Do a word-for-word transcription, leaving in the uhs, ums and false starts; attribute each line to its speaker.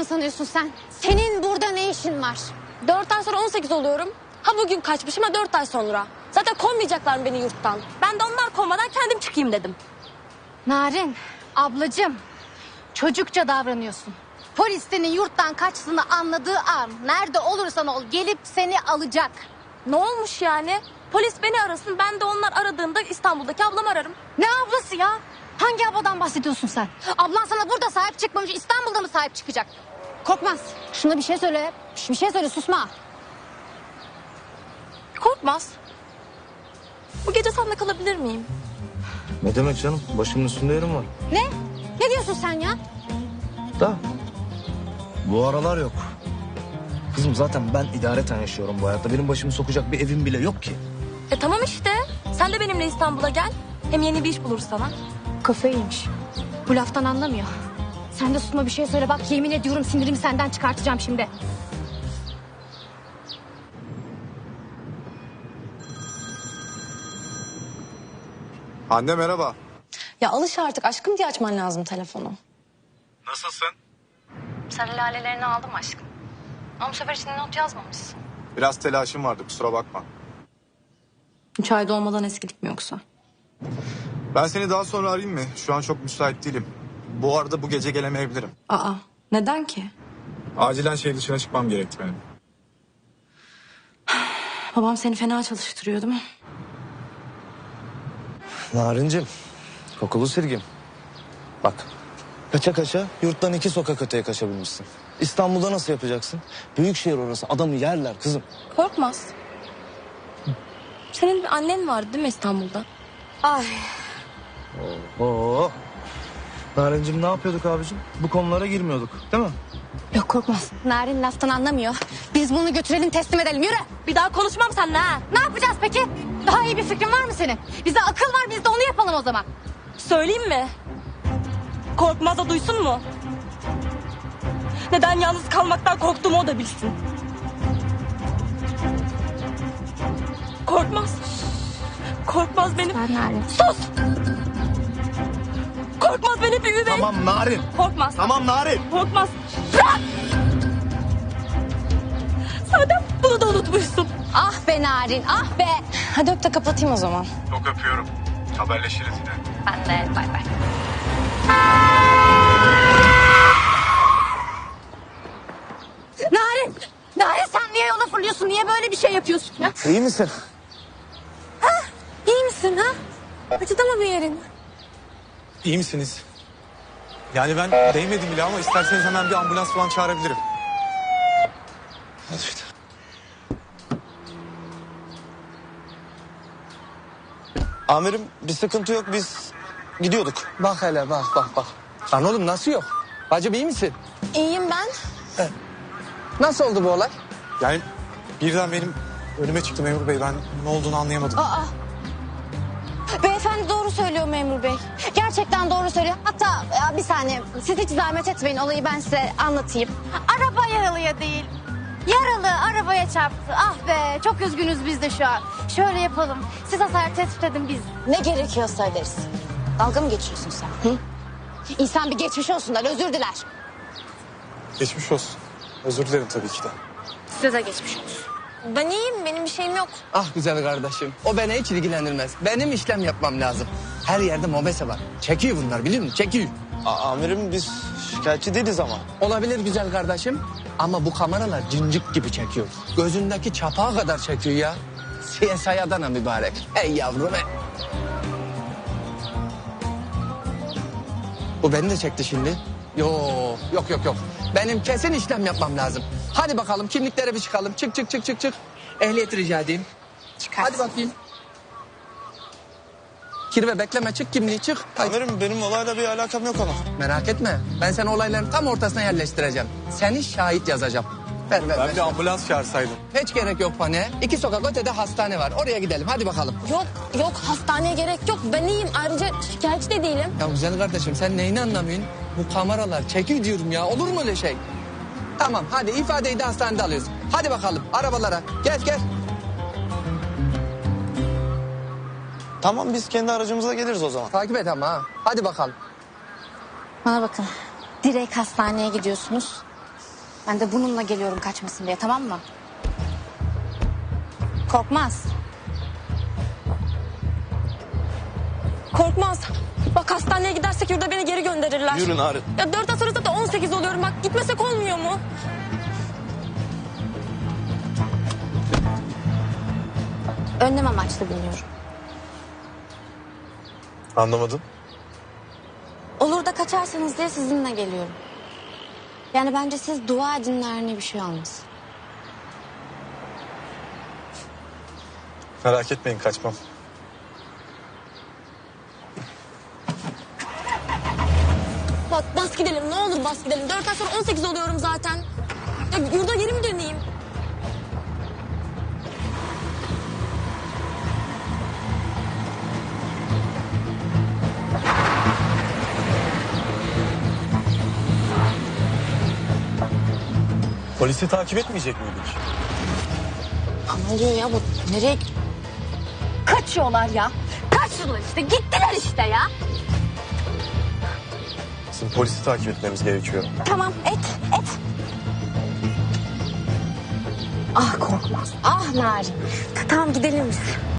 Speaker 1: mı sanıyorsun sen? Senin burada ne işin var?
Speaker 2: Dört ay sonra on sekiz oluyorum. Ha bugün kaçmışım ha dört ay sonra. Zaten kovmayacaklar mı beni yurttan? Ben de onlar kovmadan kendim çıkayım dedim.
Speaker 1: Narin, ablacığım. Çocukça davranıyorsun. Polis senin yurttan kaçtığını anladığı an nerede olursan ol gelip seni alacak.
Speaker 2: Ne olmuş yani? Polis beni arasın, ben de onlar aradığında İstanbul'daki ablamı ararım.
Speaker 1: Ne ablası ya? Hangi abladan bahsediyorsun sen? Ablan sana burada sahip çıkmamış, İstanbul'da mı sahip çıkacak? Korkmaz. Şuna bir şey söyle. Bir şey söyle, susma.
Speaker 2: Korkmaz. Bu gece seninle kalabilir miyim?
Speaker 3: Ne demek canım? Başımın üstünde yerim var.
Speaker 1: Ne? Ne diyorsun sen ya?
Speaker 3: Da bu aralar yok. Kızım zaten ben idareten yaşıyorum bu hayatta. Benim başımı sokacak bir evim bile yok ki.
Speaker 2: E tamam işte. Sen de benimle İstanbul'a gel. Hem yeni bir iş buluruz sana.
Speaker 1: Kafayı yemiş. Bu laftan anlamıyor. Sen de susma, bir şey söyle. Bak yemin ediyorum sinirimi senden çıkartacağım şimdi.
Speaker 4: Anne merhaba.
Speaker 2: Ya alış artık aşkım diye açman lazım telefonu.
Speaker 4: Nasılsın?
Speaker 2: Sarı lalelerini aldım aşkım. Ama bu sefer içinde not yazmamışsın.
Speaker 4: Biraz telaşım vardı kusura bakma.
Speaker 2: Üç ayda olmadan eskilik mi yoksa?
Speaker 4: Ben seni daha sonra arayayım mı? Şu an çok müsait değilim. Bu arada bu gece gelemeyebilirim.
Speaker 2: Aa neden ki?
Speaker 4: Acilen şehir dışına çıkmam gerekti benim.
Speaker 2: Babam seni fena çalıştırıyor değil mi?
Speaker 3: Narincim, kokulu sirgim. Bak, kaça kaça yurttan iki sokak öteye kaçabilmişsin. İstanbul'da nasıl yapacaksın? Büyük şehir orası, adamı yerler kızım.
Speaker 2: Korkmaz. Senin bir annen vardı değil mi İstanbul'da?
Speaker 1: Ay.
Speaker 3: Oo. Narincim ne yapıyorduk abicim? Bu konulara girmiyorduk, değil mi?
Speaker 1: Yok korkmaz. Narin laftan anlamıyor. Biz bunu götürelim, teslim edelim. Yürü.
Speaker 2: Bir daha konuşmam seninle ha.
Speaker 1: Ne yapacağız peki? Daha iyi bir fikrin var mı senin? Bize akıl var, biz de onu yapalım o zaman.
Speaker 2: Söyleyeyim mi? Korkmaz da duysun mu? Neden yalnız kalmaktan korktuğumu o da bilsin. Korkmaz. Korkmaz benim.
Speaker 1: Ben Narin.
Speaker 2: Sus! Korkmaz benim bir üvey.
Speaker 3: Tamam Narin.
Speaker 2: Korkmaz.
Speaker 3: Tamam Narin.
Speaker 2: Korkmaz. Bırak! Zaten bunu da unutmuşsun.
Speaker 1: Ah be Narin, ah be.
Speaker 2: Hadi öp de kapatayım o zaman.
Speaker 4: Çok öpüyorum. Haberleşiriz yine.
Speaker 2: Ben de bay bay.
Speaker 1: Narin, Narin sen niye yola fırlıyorsun? Niye böyle bir şey yapıyorsun ya?
Speaker 3: İyi misin?
Speaker 2: İyi misin ha? Acıdı mı bir yerin?
Speaker 4: İyi misiniz? Yani ben değmedim bile ama isterseniz hemen bir ambulans falan çağırabilirim. Hadi işte.
Speaker 3: Amirim bir sıkıntı yok, biz gidiyorduk. Bak hele bak bak bak. Lan oğlum nasıl yok? Bacım iyi misin?
Speaker 2: İyiyim ben.
Speaker 3: Nasıl oldu bu olay?
Speaker 4: Yani birden benim önüme çıktı memur bey. Ben ne olduğunu anlayamadım.
Speaker 1: Aa. Beyefendi doğru söylüyor memur bey. Gerçekten doğru söylüyor. Hatta ya, bir saniye siz hiç zahmet etmeyin, olayı ben size anlatayım. Araba yaralıya değil. Yaralı arabaya çarptı. Ah be, çok üzgünüz biz de şu an. Şöyle yapalım. Siz hasar tespit edin biz.
Speaker 2: Ne gerekiyorsa ederiz. Dalga mı geçiyorsun sen? Hı?
Speaker 1: İnsan bir geçmiş olsunlar, özür diler.
Speaker 4: Geçmiş olsun. Özür dilerim tabii ki de.
Speaker 1: Size de geçmiş olsun.
Speaker 2: Ben iyiyim, benim bir şeyim yok.
Speaker 5: Ah güzel kardeşim. O beni hiç ilgilendirmez. Benim işlem yapmam lazım. Her yerde mobese var. Çekiyor bunlar biliyor musun? Çekiyor.
Speaker 3: A- amirim biz şikayetçi değiliz ama.
Speaker 5: Olabilir güzel kardeşim. Ama bu kameralar cincik gibi çekiyor. Gözündeki çapağa kadar çekiyor ya. C S I Adana mübarek. Ey yavrum ey. Bu beni de çekti şimdi. Yok yok yok yok. Benim kesin işlem yapmam lazım. Hadi bakalım kimliklere bir çıkalım. Çık çık çık çık çık. Ehliyet rica edeyim.
Speaker 1: Çıkart.
Speaker 5: Hadi bakayım. Kirve bekleme çık kimliği çık. Haydi.
Speaker 3: Amirim benim olayla bir alakam yok ama.
Speaker 5: Merak etme. Ben seni olayların tam ortasına yerleştireceğim. Seni şahit yazacağım. Ver ver
Speaker 4: Ben
Speaker 5: ver.
Speaker 4: bir ambulans çağırsaydım.
Speaker 5: Hiç gerek yok Pane. İki sokak ötede hastane var. Oraya gidelim. Hadi bakalım.
Speaker 2: Yok, yok hastaneye gerek yok. Ben iyiyim. Ayrıca şikayetçi de değilim.
Speaker 5: Ya güzel kardeşim sen neyini anlamıyorsun? Bu kameralar çekiyor diyorum ya. Olur mu öyle şey? Tamam hadi ifadeyi de hastanede alıyoruz. Hadi bakalım arabalara. Gel gel.
Speaker 3: Tamam biz kendi aracımızla geliriz o zaman.
Speaker 5: Takip et ama ha. Hadi bakalım.
Speaker 1: Bana bakın. Direkt hastaneye gidiyorsunuz. Ben de bununla geliyorum kaçmasın diye, tamam mı? Korkmaz.
Speaker 2: Korkmaz. Bak hastaneye gidersek yurda beni geri gönderirler.
Speaker 3: Yürü Narin.
Speaker 2: Ya dört ay sonra zaten on sekiz oluyorum. Bak gitmesek olmuyor mu?
Speaker 1: Önlem amaçlı biniyorum.
Speaker 4: Anlamadım.
Speaker 1: Olur da kaçarsanız diye sizinle geliyorum. Yani bence siz dua edin Narin'e bir şey olmasın.
Speaker 4: Merak etmeyin, kaçmam.
Speaker 2: Bak bas gidelim ne olur bas gidelim. Dört ay sonra on sekiz oluyorum zaten. Ya yurda geri mi döneyim?
Speaker 4: Polisi takip etmeyecek miydik?
Speaker 1: Ama oluyor ya bu, nereye... Kaçıyorlar ya. Kaçtılar işte, gittiler işte ya.
Speaker 4: Bizim polisi takip etmemiz gerekiyor.
Speaker 1: Tamam, et, et. Ah Korkmaz, ah Narin. Tamam gidelim biz.